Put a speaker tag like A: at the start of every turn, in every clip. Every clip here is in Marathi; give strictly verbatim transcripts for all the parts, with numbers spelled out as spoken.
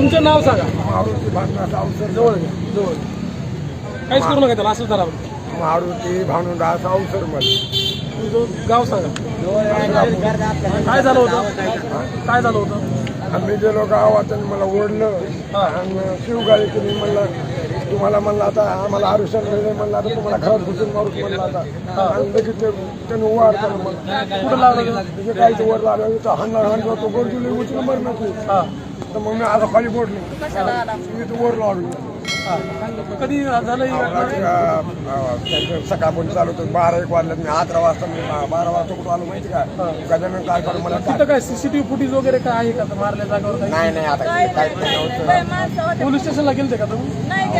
A: तुमचं नाव सांगा.
B: मारुती भानुदास अवसर.
A: जवळ घ्या, जवळ. काहीच करू नका त्याला, असंच धरा.
B: मारुती भानुदास अवसर मध्ये.
A: तुमचं गाव सांगा. काय झालं होतं? काय झालं होतं?
B: आम्ही गेलो गावात आणि मला ओढलं आणि शिवगाळी केली. म्हणलं तुम्हाला म्हणलं आता आम्हाला आरुषण मिळेल, म्हणलं आता तुम्हाला घरात घुसून मारूच म्हणलं आता. आणि लगेच त्याने उवाड केलं. मला
A: कुठं लागलं?
B: म्हणजे काहीच वर लागलं तर हाणला हाणला तो गोरजुली उचल मरण की. तर मग मी आता खाली बोडलो मी तर वर लागलो.
A: कधी झालं?
B: सकाळपर्यंत चालू होतं. बारा एक वाजल्यात मी अकरा वाजता मी बारा वाजता कुठं आलो माहिती का? गजानन काय करू मला
A: तिथं काय सीसीटीव्ही फुटेज वगैरे काय आहे का मारल्या जागेवर? काही
B: नाही नाही आता काहीच नाही होतं.
A: पोलीस स्टेशनला गेलते का तुम्ही?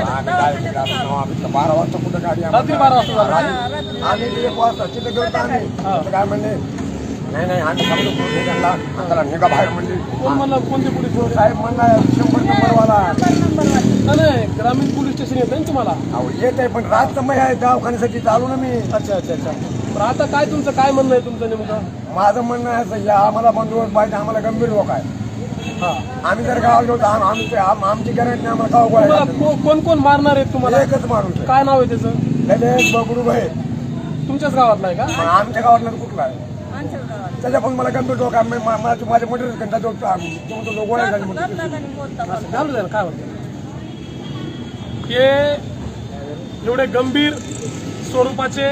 B: बारा वाजता कुठं गाडी
A: रात्री बारा वाजता झालं.
B: आम्ही एक वाजता तिथं गेलो आम्ही. काय म्हणले नाही नाही आम्ही समजू त्यांना त्याला निघा बाहेर म्हणली.
A: कोण म्हणलं? कोणते पोलीस वगैरे?
B: साहेब म्हणला शंभर नंबरवाला.
A: नाही, ग्रामीण पोलीस स्टेशन येतं ना तुम्हाला?
B: अहो येत आहे पण रात समय आहे दवाखान्यासाठी चालू ना मी.
A: अच्छा अच्छा अच्छा. पण आता काय तुमचं काय म्हणणं आहे तुमचं नेमकं?
B: माझं म्हणणं आहे असं, या आम्हाला बंदोबस्त पाहिजे. आम्हाला गंभीर लोक आहे.
A: हा,
B: आम्ही जर गावाला गेलो तर आमची आमची गॅरंटी नाही. आम्हाला गाव
A: तुम्हाला
B: गोळा
A: को- कोण कोण मारणार आहेत तुम्हाला?
B: एकच माणूस आहे.
A: काय नाव आहे त्याचं?
B: गणेश बगडू भाई.
A: तुमच्याच गावातला आहे का?
B: पण आमच्या गावातला तर कुठला आहे? त्याच्या पण मला गंभीर लोक आहे. मा- माझे माझे मोठे घंटा जो गोळ्या झाली म्हणतो.
A: असं झालं जाईल काय होतं? हे एवढे गंभीर स्वरूपाचे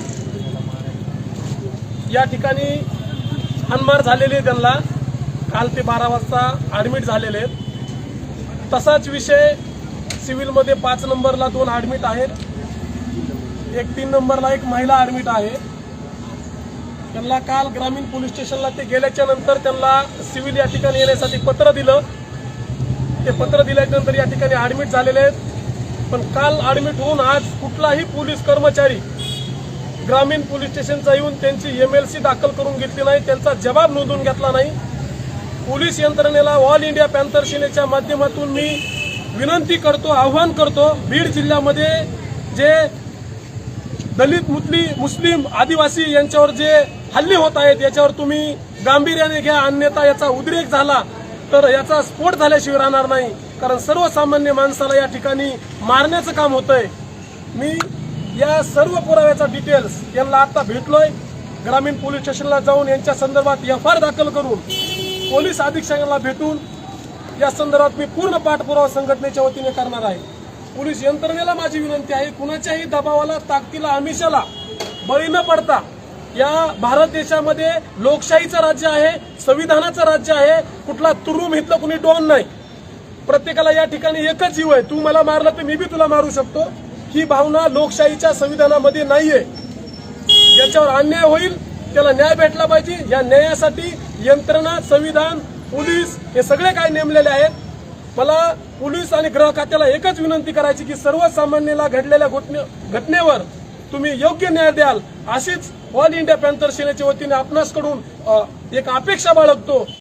A: या ठिकाणी हाणमार झालेले, त्यांना काल ते बारा वाजता ऍडमिट झालेले आहेत. तसाच विषय सिव्हिलमध्ये पाच नंबरला दोन ऍडमिट आहेत. एक तीन नंबरला एक महिला ऍडमिट आहे. त्यांना काल ग्रामीण पोलीस स्टेशनला ते गेल्याच्या नंतर त्यांना सिव्हिल या ठिकाणी येण्यासाठी पत्र दिलं. ते पत्र दिल्यानंतर या ठिकाणी ऍडमिट झालेले आहेत. पण काल ऍडमिट होऊन आज कुठलाही पोलीस कर्मचारी ग्रामीण पोलीस स्टेशनचा येऊन त्यांची एमएलसी दाखल करून घेतली नाही, त्यांचा जबाब नोंदवून घेतला नाही. पोलीस यंत्रणेला ऑल इंडिया पॅन्थर सेनेच्या माध्यमातून मी विनंती करतो, आव्हान करतो, बीड जिल्ह्यामध्ये जे दलित मुस्लिम मुस्लिम आदिवासी यांच्यावर जे हल्ले होत आहेत याच्यावर तुम्ही गांभीर्याने घ्या, अन्यथा याचा उद्रेक झाला तर याचा स्फोट झाल्याशिवाय राहणार नाही. कारण सर्वसामान्य माणसाला या ठिकाणी मारण्याचं काम होतंय. मी या सर्व पुराव्याचा डिटेल्स यांना आता भेटलोय. ग्रामीण पोलीस स्टेशनला जाऊन यांच्या संदर्भात एफ आय आर दाखल करून पोलीस अधीक्षकांना भेटून या संदर्भात मी पूर्ण पाठपुरावा संघटनेच्या वतीने करणार आहे. पोलीस यंत्रणेला माझी विनंती आहे, कुणाच्याही दबावाला, ताकदीला, आमिषाला बळी न पडता, या भारत देशामध्ये लोकशाहीचं राज्य आहे, संविधानाचं राज्य आहे. कुठला तुरुम इथलं कुणी डॉन नाही. प्रत्येकाला या ठिकाणी एकच जीव आहे. तू मला मारलं तर मी बी तुला मारू शकतो. ही भावना लोकशाहीच्या संविधानामध्ये नाहीये. ज्याच्यावर अन्याय होईल त्याला न्याय भेटला पाहिजे. या न्यायासाठी यंत्रणा, संविधान, पोलीस हे सगळे काय नेमलेले आहेत. मला पोलीस आणि गृह खात्याला एकच विनंती करायची की सर्वसामान्याला घडलेल्या घटनेवर तुम्ही योग्य न्याय द्याल, अशीच ऑल इंडिया पॅन्थर सेनेच्या वतीने आपणासकडून एक अपेक्षा बाळगतो.